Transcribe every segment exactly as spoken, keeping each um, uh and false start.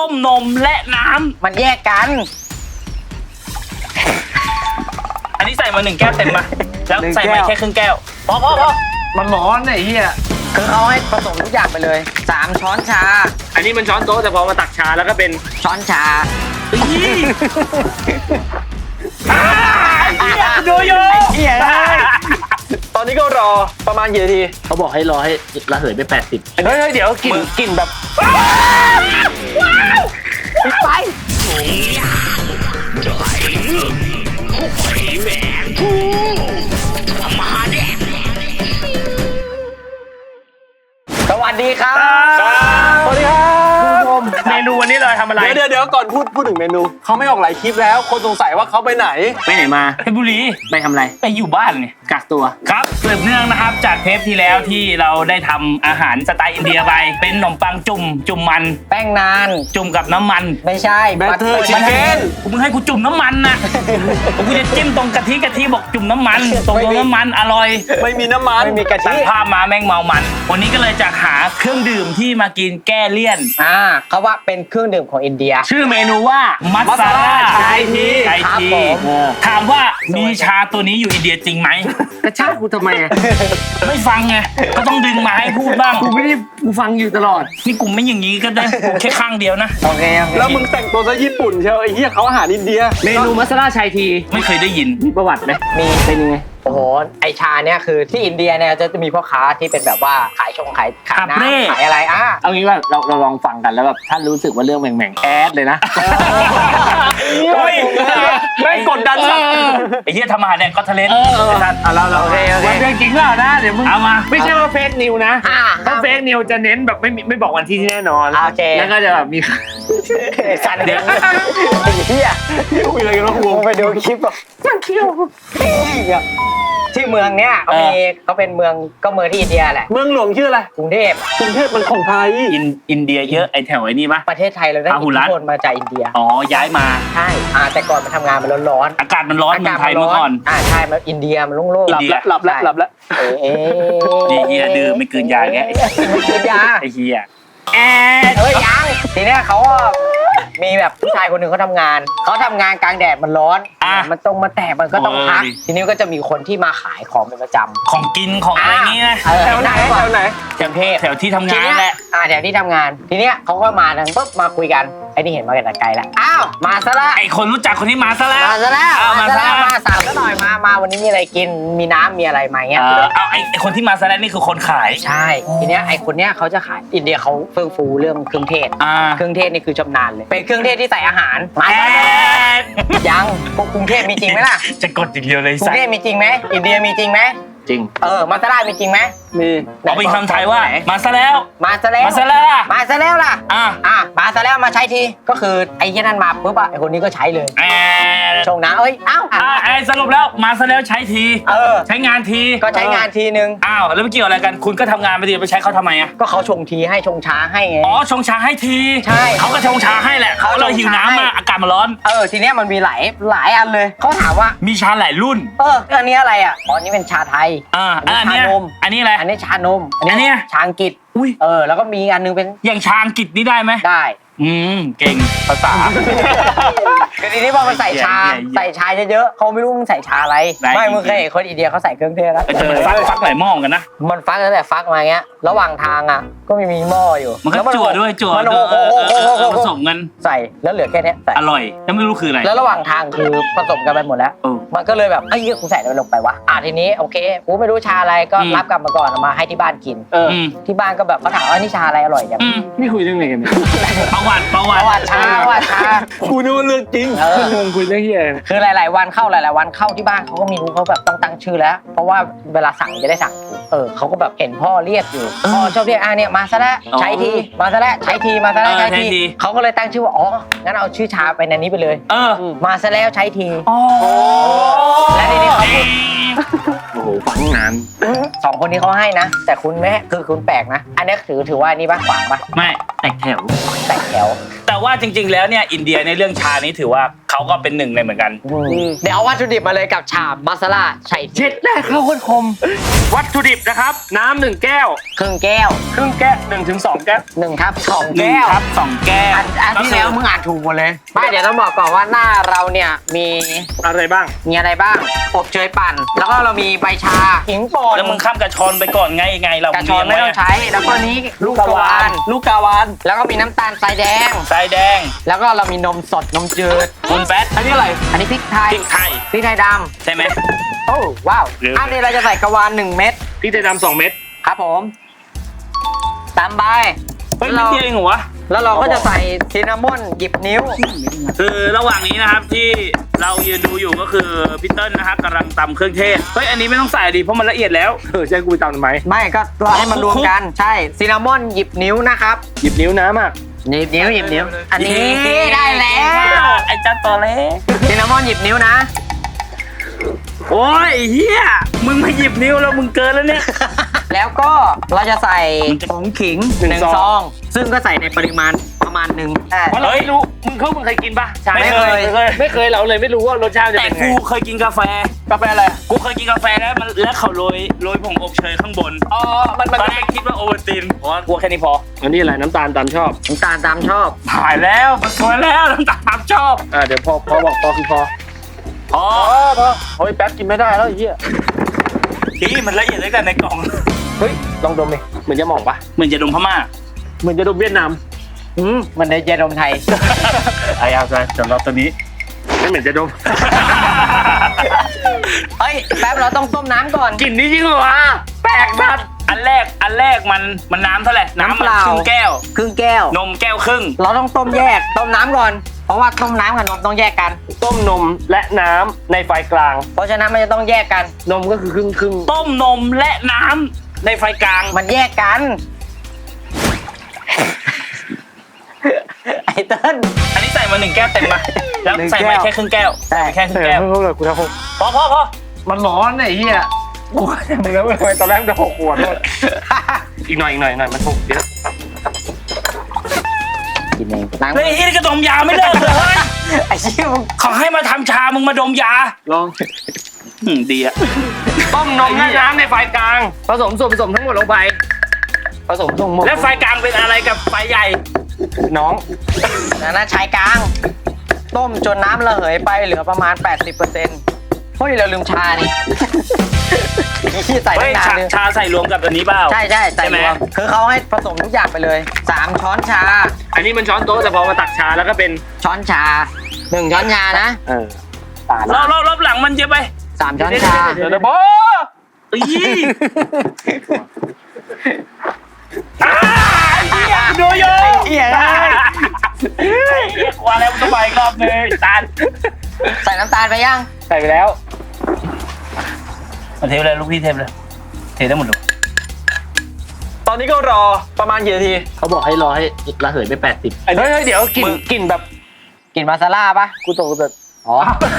มนมและน้ำมันแยกกันอันนี้ใส่มาหนึ่งแก้วเต็มมาแล้วใส่มาแค่ครึ่งแก้วพอพอพอมันร้อนไอ้เหี้ยคือเขาให้ผสมทุกอย่างไปเลยสามช้อนชาอันนี้มันช้อนโต๊ะแต่พอมาตักชาแล้วก็เป็นช้อนชาดูอยู่เหี้ยตอนนี้ก็รอประมาณกี่นาทีเขาบอกให้รอให้ระเหยไปแปดสิบเฮ้ยเดี๋ยวกลิ่นกลิ่นแบบปิดไฟสวัสดีครับสวัสดีครับเมนูวันนี้เราทำอะไรเดี๋ยวเดี๋ยวก่อนพูดพูดถึงเมนูเขาไม่ออกหลายคลิปแล้วคนสงสัยว่าเขาไปไหนไปไหนมาเพชรบุรีไปทำอะไรไปอยู่บ้านเนี่ยกักตัวครับสืบเนื่องนะครับจากเทปที่แล้วที่เราได้ทำอาหารสไตล์อินเดียไปเป็นขนมปังจุ่มจุ่มมันแป้งนานจุ่มกับน้ำมันไม่ใช่แบตเตอร์ชิคเก้นกูมึงให้กูจุ่มน้ำมันนะกูจะจิ้มตรงกะทิกะทิบอกจุ่มน้ำมันตรงตรงน้ำมันอร่อยไม่มีน้ำมันไม่มีกะทิภาพมาแม่งเมามันวันนี้ก็เลยจะหาเครื่องดื่มที่มากินแก้เลี่ยนอ่าเขาว่าเป็นเครื่องดื่มของอินเดียชื่อเมนูว่ามัสลาชายทีชายทีถามว่ามีชาตัวนี้อยู่อินเดียจริงไหมกระชากกูทำไมไม่ฟังไงก็ต้องดึงมาให้พูดบ้างกูไม่ได้กูฟังอยู่ตลอดนี่กูไม่อย่างนี้ก็ได้แค่ข้างเดียวนะโอเคแล้วมึงแต่งตัวซะญี่ปุ่นเชียวไอ้เหี้ยเขาอาหารอินเดียเมนูมัสลาชายทีไม่เคยได้ยินมีประวัติไหมมีเป็นยังไงโอ้โหไอชาเนี่ยคือที่อินเดียเนี่ยจะมีพ่อค้าที่เป็นแบบว่าขายชงขายขายน้ำขายอะไรอ่ะเอางี้ว่าเราเราลองฟังกันแล้วแบบท่านรู้สึกว่าเรื่องแหม่งๆแอดเลยนะเฮ้ยไม่กดดันสักไอ้เหี้ยทำอาหารเนี่ยก็ทะเลนท่านเอาเราเราวันเรื่องจริงเปล่านะเดี๋ยวมึงเอามาไม่ใช่ว่าเฟซนิวนะถ้าเฟซนิวจะเน้นแบบไม่ไม่บอกวันที่ที่แน่นอนโอเคแล้วก็จะแบบมีสันเด็กเฮียคุยอะไรกันวะกูไปดูคลิปแบบมันเที่ยวที่เมืองเนี้ยเขามีเขาเป็นเมืองก็เมืองที่อินเดียแหละเมืองหลวงชื่ออะไรกรุงเทพกรุงเทพมันของไทยอินเดียเยอะไอแถวไอ้นี่ปะประเทศไทยเราได้อิทธิพลมาจากอินเดียอ๋อย้ายมาใช่อ่าแต่ก่อนมันทำงานมันร้อนๆอากาศมันร้อนเมืองไทยเมื่อก่อนอ่าใช่มันอินเดียมันโล่งๆหลับแล้วหลับแล้วหลับแล้วเอ๊ะนี่เฮียดื้อไม่คืนยาแกไม่คืนยาไอ้เฮียแอดเฮ้ยยังทีเนี้ยเขามีแบบผู้ชายคนหนึ่งเขาทำงานเขาทำงานกลางแดดมันร้อนมันตรงมาแตกมันก็ต้องพักทีนี้ก็จะมีคนที่มาขายของเป็นประจำของกินของอะไรนี้นะแถวไหนแถวไหนแถวเทพแถวที่ทำงานแหละอ่าแถวที่ทำงานทีเนี้ยเขาก็มาทางปุ๊บมาคุยกันไอ้นี่เห็นมาแต่ไกลแล้วอ้าวมาซะละไอ้คนรู้จักคนนี้มาซะแล้วมาซะแล้วมาซะแล้วมาสั่งซะหน่อยมามาวันนี้มีอะไรกินมีน้ำมีอะไรมาเงี้ยเอาไอ้คนที่มาซะแล้วนี่คือคนขายใช่ทีเนี้ยไอ้คนเนี้ยเขาจะขายอินเดียเขาเฟื่องฟูเรื่องเครื่องเทศเครื่องเทศนี่คือชำนาญเลยเป็นเครื่องเทศที่ใส่อาหารมายังพวกกรุงเทพมีจริงไหมล่ะจะกดอีกเดียวเลยกรุงเทพมีจริงไหมอินเดียมีจริงไหมจริงเออมาซาลามีจริงไหมมีเอาเป็นคำไทยว่ามาซะแล้วมาซะแล้วมาซะแล้วมาซะแล้วล่ะอ่ะอ่ะมาซะแล้วมาใช้ทีก็คือไอ้ที่นั่นมาปุ๊บอะไอ้คนนี้ก็ใช้เลยชงนะเอ้ยอ้าวไอ้สรุปแล้วมาซะแล้วใช้ทีเออใช้งานทีก็ใช้งานทีนึงอ้าวแล้วไม่เกี่ยวอะไรกันคุณก็ทำงานไปดีไปใช้เขาทำไมอ่ะก็เขาชงทีให้ชงช้าให้ไงอ๋อชงช้าให้ทีใช่เขาก็ชงช้าให้แหละเขาเลยหิวน้ำมาอากาศมันร้อนเออทีเนี้ยมันมีหลายหลายอันเลยเขาถามว่ามีชาหลายรุ่นเอออันนี้อะไรอ่ะอ๋อนี่เป็นชาไทยอ่าอันนี้นมอันนี้อะไรอันนี้ชานมอันนี้ชาอังกฤษอุ้ยเออแล้วก็มีอันนึงเป็นอย่างชาอังกฤษนี่ได้ไหมได้อืมเก่งภาษาคือทีนี้พอมันใส่ชาใส่ชาเยอะๆเขาไม่รู้มึงใส่ชาอะไรไม่มึงเคยเห็นคนอินเดียเขาใส่เครื่องเทศแล้วแต่มันฟักฟักหลายหม้อกันนะมันฟักตั้งแต่ฟักมาเงี้ยระหว่างทางอ่ะก็มีมีหม้ออยู่มันก็จั่วด้วยจั่วด้วยผสมกันใส่แล้วเหลือแค่นี้อร่อยยังไม่รู้คืออะไรแล้วระหว่างทางคือผสมกันไปหมดแล้วมันก็เลยแบบไอ้เหี้ยกูใส่อะไรลงไปวะอ่ะทีนี้โอเคกูไม่รู้ชาอะไรก็รับกลับมาก่อนมาให้ที่บ้านกินที่บ้านก็แบบเขาถามว่านี่ชาอะไรอร่อยจังนี่คุยเรื่องอะไรกันประวัติประวัติประวัติชาประวัติชากูนึกว่าเรื่องจริงเออคุยเรื่องเหี้ยคือหลายๆวันเข้าหลายๆวันเข้าที่บ้านเขาก็มีรู้เขาแบบต้องตั้งชื่อแล้วเพราะว่าเวลาสั่งจะได้สั่งถูกเออเขาก็แบบเห็นพ่อเรียกอยู่พ่อชอบเรียกอ่ะเนี่ยมาซะแล้วใช้ทีมาซะแล้วใช้ทีมาซะแล้วใช้ทีเขาก็เลยตั้งชื่อว่าอ๋องั้นเอาชื่อชาไปในนี้ไปเลยเออมาซะแล้วใช้ทีอ๋อและทีนี้เขาพูดโอ้โหฟังงานสองคนนี้เขาให้นะแต่คุณแม่คือคุณแปลกนะอันนี้ถือถือว่านี่บ้างขวางป่ะไม่แตกแถวแตกแถวแต่ว่าจริง ๆ แล้วเนี่ยอินเดียในเรื่องชานี้ถือว่าเขาก็เป็นหนึ่งในเหมือนกันเดี๋ยวเอาวัตถุดิบมาเลยกับชามาซาล่าใส่เจ็ดแรกเข้าคนคม วัตถุดิบนะครับ น้ำหนึ่งแก้วครึ่งแก้วครึ่งแก้วหนึ่งถึงสองแก้วหนึ่งทับสองหนึ่งแก้วครับสองแก้วอันอันที่แล้วมึงอ่านถูกหมดเลยไม่เดี๋ยวต้องบอกก่อนว่าหน้าเราเนี่ยมีอะไรบ้างมีอะไรบ้างอบเชยปั่น แล้วก็เรามีใบชาขิงป่นแล้วมึงข้ามกระชอนไปก่อนไงไงเรากระชอนไม่ต้องใช้ แล้วก็นี้ลูกกะวานลูกกาวานแล้วก็มีน้ำตาลทรายแดงทรายแดงแล้วก็เรามีนมสดนมจืดคุณแฟตอันนี้อะไรอันนี้พริกไทยพริกไทยพริกไทยดใช่ไหมำโอ้ว้าวหรืออันนี้เราจะใส่กะวานหนึ่งเม็ดพริกไทยดำสองเม็ดครับผมตามใบเฮ้ยแล้นิวดเราเดียวเองเหรอวะแล้วเราก็จะใส่ซินนามอนหยิบนิ้วคือระหว่างนี้นะครับที่เรายืนดูอยู่ก็คือพี่เติ้ลนะครับกำลังตำเครื่องเทศเฮ้ยอันนี้ไม่ต้องใส่ดิเพราะมันละเอียดแล้วเออใช่กูไปตามทำไมไม่ก็เราให้มันรวมกันใช่ซินนามอนหยิบนิ้วนะครับหยิบนิ้วน้ำอ่ะหยิบนิ้วหยิบนิ้ว อันนี้ได้แล้วไอ้จ้าตัวเล็กซินนามอนหยิบนิ้วนะโอ้ยเฮียมึงมาหยิบนิ้วแล้วมึงเกินแล้วเนี่ยแล้วก็เราจะใส่มันจะผงขิงหนึ่งหนึ่งซองซอง ซึ่งก็ใส่ในปริมาณประมาณหนึ่งเพราะเราไม่รู้มึงเขามึงเคยกินปะชาไม่เคยไม่เคยไม่เคยเราเลยไม่รู้ว่ารสชาติจะแต่เป็นไงกูเคยกินกาแฟกาแฟอะไรกูเคยกินกาแฟแล้วมันแล้วเขาโรยโรยผงอบเชยข้างบนอ๋อมันตมันอนแรกคิดว่าโอวัลตินเพราะว่ากูแค่นี้พออันนี้อะไรน้ำตาลตามชอบน้ำตาลตามชอบถ่ายแล้วมันสวยแล้วน้ำตาลชอบอ่าเดี๋ยวพอพอบอกพอคือพอพอพอพอโอ้ยแป๊บกินไม่ได้แล้วไอ้เหี้ยพี่มันละเอียดตั้งแต่ในกล่องเฮ้ยลองดมดิเหมือนจะหมองปะเหมือนจะดมพม่าเหมือนจะดมเวียดนามอืมมันในเยดมไทยไอ้เอาใจสำหรับตัวนี้ไม่เหมือนจะดมเฮ้ย แป๊บเราต้องต้มน้ำก่อนกลิ่นนี้จริงเหรอวะแปลกสัตว์อันแรกอันแรกมันมันน้ำเท่าไหร่น้ำน้ำเปมันล่าครึ่งแก้วครึ่งแก้วนมแก้วครึ่งเราต้องต้มแยก ต้มน้ำก่อน เพราะว่าต้มน้ำกับนมต้องแยกกันต้มนมและน้ำในไฟกลางเพราะฉะนั้นมันจะต้องแยกกันนมก็คือครึ่งครึ่งต้มนมและน้ำในไฟกลางมันแยกกัน ไอ้เติ้ลอันนี้ใส่มาหนึ่งแก้วเต็มมาแล้วหนึ่งใส่มาแก้วแค่ครึ่งแก้วใช่ใส่ไปแค่คเอรึ่งอแก้วเพิ่งเลยกูทำหกพอพอพอมันร้อนไอ้เหี้ยกูมึงแล้วทำไมตอนแรกจะหกขวดเลยอีกหน่อยอีกหน่อยอีกหน่อยมันหกเดี๋ยวกินเองล้างเฮ้ยนี่ก็ดมยาไม่เลิกเลยเฮ้ยไอ้เชี่ยมึงเขาให้มาทำชามึงมาดมยาลองอืมดีอะต้มนมและน้ำในไฟกลาง ผสมส่วนผสมทั้งหมดลงไปผสมทั้งหมดแล้วไฟกลางเป็นอะไรกับไฟใหญ่น้องนะนะชายกลาง ต้มจนน้ำระเหยไปเหลือประมาณ แปดสิบเปอร์เซ็นต์ เฮ้ยเราลืมชานี่ที่ใส่เฮ้ตั้ยงนานชาเลยชาใส่รวมกับอันนี้เปล่าใช่ใช่ใส่ใช่ไหมรวมคือเขาให้ผสมทุกอย่างไปเลยสามช้อนชาอันนี้มันช้อนโต๊ะแต่พอมาตักชาแล้วก็เป็นช้อนชาหนึ่งช้อนชานะเออตาลรอบรอบรอบหลังมันเยอะไปสามช้อนชาเดี๋ยวเดี๋ยวบออีอ่าเหี้ยดูอยู่เหี้ยอ่าเฮ้ยว่าแล้วมันต้องไปอีกรอบหนึงตาลใส่น้ำตาลไปยังใส่ไปแล้วมาเทเลยลูกพี่เทเลยเทได้หมดเลยตอนนี้ก็รอประมาณกี่นาทีเขาบอกให้รอให้ระเหยไปแปดสิบเฮ้ยเฮ้ยเดี๋ยวกลิ่นกลิ่นแบบกินมาซาล่าปะกูตกแบบอ๋อ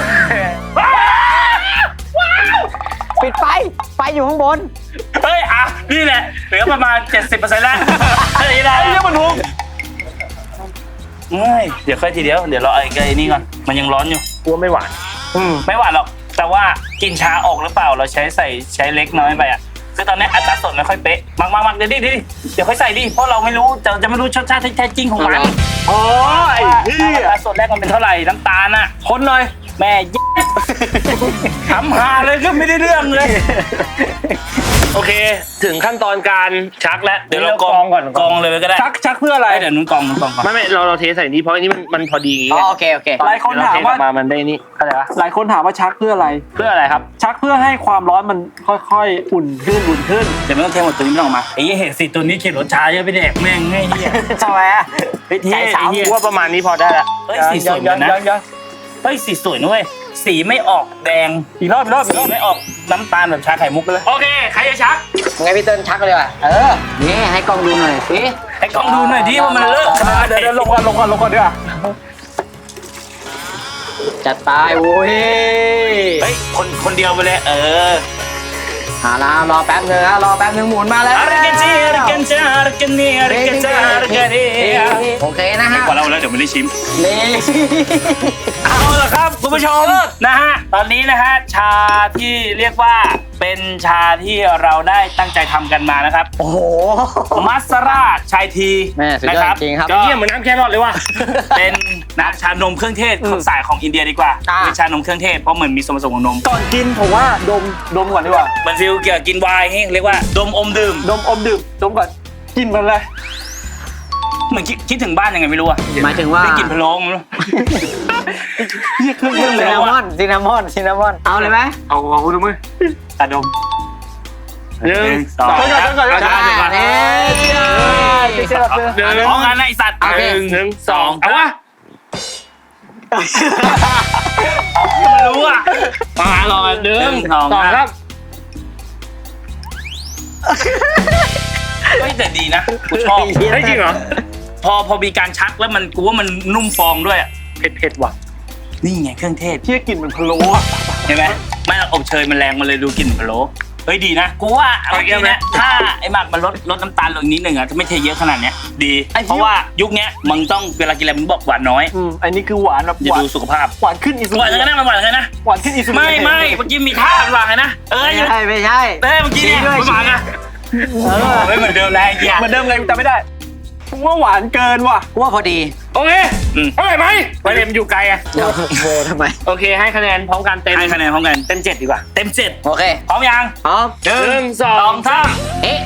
ปิดไฟ ไฟอยู่ข้างบนเฮ้ยอ่ะนี่แหละเหลือประมาณ เจ็ดสิบเปอร์เซ็นต์ แล้วเฮ้ยได้ไอ้เรื่องมันทุกเฮ้ยเดี๋ยวค่อยทีเดียวเดี๋ยวรอไอ้ไอ้นี่ก่อนมันยังร้อนอยู่กลัวไม่หวานอืมไม่หวานหรอกแต่ว่ากินชาออกหรือเปล่าเราใช้ใส่ใช้เล็กน้อยไปอ่ะคือตอนนี้อัตราส่วนไม่ค่อยเป๊ะมากมากมากเดี๋ยวดิเดี๋ยวดิเดี๋ยวค่อยใส่ดิเพราะเราไม่รู้จะจะไม่รู้รสชาติที่แท้จริงของมันโอ้ยว่าเฮีอัยตราส่วนแรกมันเป็นเท่าไหร่น้ำตาลน่ะคนหน่อยแม่เย็ดทำหาเลยก็ไม่ได้เรื่องเลยโอเค ถึงขั้นตอนการชักแล้วเดี๋ยวเรากองก่อนกองเลยก็ได้ชักชักเพื่ออะไรเดี๋ยวนุ่นกองนุ่นกองก่อนไม่ไม่เราเราเทใส่นี้เพราะอันนี้มันมันพอดีอย่างงี้อ๋อไงโอเค โอเคหลายคนถามว่าเทออกมามันได้นี่เข้าใจปะหลายคนถามว่าชักเพื่ออะไรเพื่ออะไรครับชักเพื่อให้ความร้อนมันค่อยๆ อุ่นขึ้นอุ่นขึ้นเดี๋ยวไม่ต้องเทหมดตัวนี้ไม่ต้องออกมาไอ้เหี้ยเห็นสิตัวนี้เขียนรสชาเยอะไปแดกแม่งไอ้เหี้ยทำไมอะไปเทใจสาวไอ้เหี้ยกูว่าประมาณนี้พอได้ละเฮ้ยสีสวยเหมือนกันนะเฮ้ยสีสวยนะเว้ยสีไม่ออกแดงอีกรอบอีกรอบอีกสีรอบไม่ออกน้ำตาลแบบชาไข่มุกไปเลยโอเคใครจะชักไงพี่เติ้ลชักเลยว่ะ เออ นี่ให้กล้องดูหน่อยสิให้กล้องดูหน่อยดิว่ามันเลิกขนาดไหนเดี๋ยวเดี๋ยวลงก่อนลงก่อนลงก่อนดีกว่าจัดไปโว้ยเฮ้ยคนคนเดียวไปเลยเออเอาละรอแป๊บนึงนะรอแป๊บนึงหมุนมาแล้วอาริกันจีอาริกันจาอาริกันนี่อาริกันจาอาริกันนี่โอเคนะฮะพอเราแล้วเดี๋ยวไม่ได้ชิมนี่เอาละครับคุณผู้ชมนะฮะตอนนี้นะฮะชาที่เรียกว่าเป็นชาที่เราได้ตั้งใจทำกันมานะครับโอ้โหมัสราชายทีแม่สุดยอดนะครับจริงครับก็เยี่ยมเหมือนน้ำแครอทเลยว่ะเป็นน้ำชานมเครื่องเทศของสายของอินเดียดีกว่าอ่าเป็นชานมเครื่องเทศเพราะเหมือนมีส่วนผสมของนมก่อนกินผมว่าดมดมก่อนดีกว่ามันฟีลเกี่ยวกับกินไวน์ให้เรียกว่าดมอมดื่มดมอมดื่มดมก่อนกินมันเลยเหมือนคิดคิดถึงบ้านยังไงไม่รู้อะหมายถึงว่าได้กลิ่นพะโล้ไม่รู้เรียกเครื่องเล่นซิเลยนนามอนซินนามอนซินนามอนเอาเลยไหมเอาเอาดูมือตาดมหนึ่งสองก่อนก่อนก่อนก่อนได้ได้ได้นี่เชื่อเชื่อหนึ่งพร้อมกันนะไอสัตว์โอเคหนึ่งหนึ่งสองเอาวะไม่รู้อะมารอหนึ่งสองสองครับเฮ้ยแต่ดีนะกูชอบเฮ้ยจริงเหรอพอพอมีการชักแล้วมันกูว่ามันนุ่มฟองด้วยอะเผ็ดเผ็ดว่ะนี่ไงเครื่องเทศที่กลิ่นมันพะโล้อะเห็นไหมไม่อบเชยมันแรงมันเลยดูกลิ่นพะโล้เฮ้ยดีนะกูว่าเอาจริงนะถ้าไอ้หมักมันลดลดน้ำตาลลงนิดหนึ่งอะถ้าไม่เทเยอะขนาดเนี้ยดีเพราะว่ายุคเนี้ยมึงต้องเวลากินอะไรมึงบอกหวานน้อยอืมอันนี้คือหวานแบบอย่าหวานดูสุขภาพหวานขึ้นอีสุหวานกันนะมันหวานกันนะหวานขึ้นอีสุไม่ไม่เมื่อกี้มีท่าหวานกันนะเอ้ยไม่ใช่ไม่ใช่เอ้ยเมื่อกี้เนี่ยมันหวานอะเออไม่เหมือนเดิมแล้วไอ้เหี้ยเหมือนเดิมไงจำไม่ได้ผมว่าหวานเกินว่ะกูว่าพอดีโอเคอืมอร่อยไหมประเด็นมันอยู่ไกลอะเดี๋ยวโบทำไมโอเคให้คะแนนพร้อมกันเต็มให้คะแนนพร้อมกันเต็มเจ็ดดีกว่าเต็มเจ็ดโอเคพร้อมยังพร้อมหนึ่หนึ่งงสสออง งสามเอ๊ะ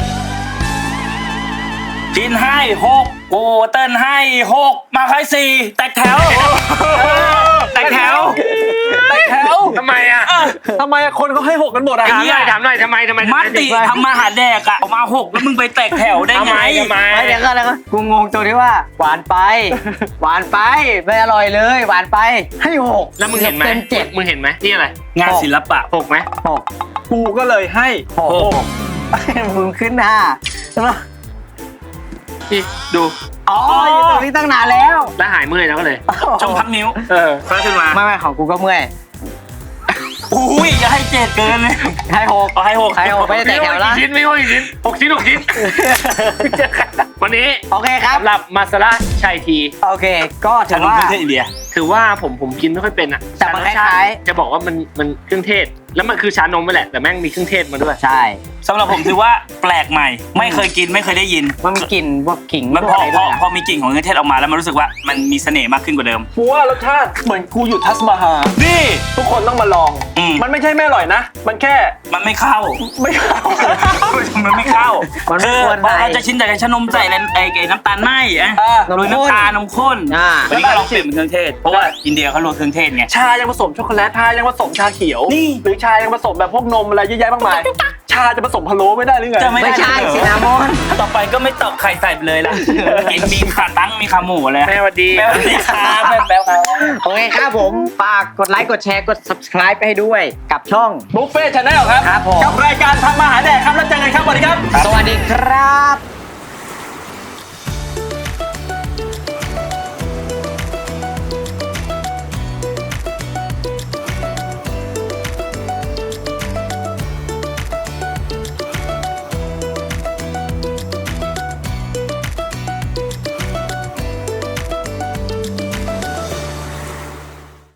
กินให้หกกูเต้นให้หกมาใครสี่แตกแถวแตกแถวแต่แถวทำไมอะทำไมคนเขาให้หกกันหมดอะไอ้ถามเหี้หน่อยถามหน่อยทำไมทำไมมัดติทำมาหาแดกอะออกมาหกแล้วมึงไปแตกแถวได้ทำไงไมทำไมไม่เดี๋ยวก่อนแล้วก็กูงงตรงที่ว่า หวานไป หวานไปไม่อร่อยเลย หวานไปให้หกแล้วมึงเห็นไหมเต็มเจ็ดมึงเห็นไหมนี่อะไรงานศิลปะหกไหมหกกูก็เลยให้หกหกมึงขึ้นห้านี่ดูอ๋ออยู่ตรงนี้ตั้งนานแล้วแล้วหายเมื่อยแล้วก็เลยจงพักนิ้วเออก็ขึ้นมาไม่ไม่ของกูก็เมื่อยอุ้ยอย่าให้เจ็ดเกินเลยให้หกเอาให้หกให้หกไม่ได้แตกแถวละกี่ชิ้นไม่ว่ากี่ชิ้นหกชิ้นหกชิ้น วันนี้โอเคครับสำหรับมาซาร่าชัยทีโอเค ก็ถืชาอนมว่าเครื่องเทศอินเดียถือว่าผมผมกินไม่ค่อยเป็นอ่ะแต่มันรสชคล้ายๆจะบอกว่ามันมันเครื่องเทศ แล้วมันคือชานมไปแหละแต่แม่งมีเครื่องเทศมาด้วยใช่สำหรับผมถือว่าแปลกใหม่ ไม่เคยกินไม่เคยได้ยินมันมีกลิ่นพวกขิงมันพพวกออะไรพด้อวยนะพอมีกลิ่นของเครื่องเทศออกมาแล้วมันรู้สึกว่ามันมีเสน่ห์มากขึ้นกว่าเดิมกูว่ารสชาติเหมือนกูอยู่ทัสมาฮานี่ทุกคนต้องมาลองอืมมันไม่ใช่ไม่อร่อยนะ มันแค่มันไม่เข้าไม่เข้ามันไม่เข้ามันไม่คือควรพอใส่เราจะชินจากการชะนมใส่อะไรไอ้ไอ้น้ำตาลไหมอ่ะอ่าโรยน้ำตาลนมข้นอ่าวันนี้ก็ลองเปลี่ยนเป็นเครื่องเทศ เพราะว่าอินเดียเขาโรยเครื่องเทศไงชายังผสมช็อกโกแลตชายังผสมชาเขียวนี่หรือชายังผสมแบบพวกนมอะไรเยอะแยะมากมาย ชาจะผสมพะโล้ไม่ได้หรือไงจะไม่ไม่ได้ใช่เหรอซินนามอนต่อไปก็ไม่ตอกไข่ใส่ไปเลยล่ะกินมีขาตั้งมีขาหมูเลยแม่สวัสดีแม่สวัสดีครับแม่แป๊บครับโอเคครับผม ฝากกดไลค์ กดแชร์ กด subscribe ไปให้ด้วย กับช่องบุฟเฟ่ชาแนลครับครับผมกับรายการทำมาหาแดกครับแล้วเจอกันครับสวัสดีครับสวัสดีครับ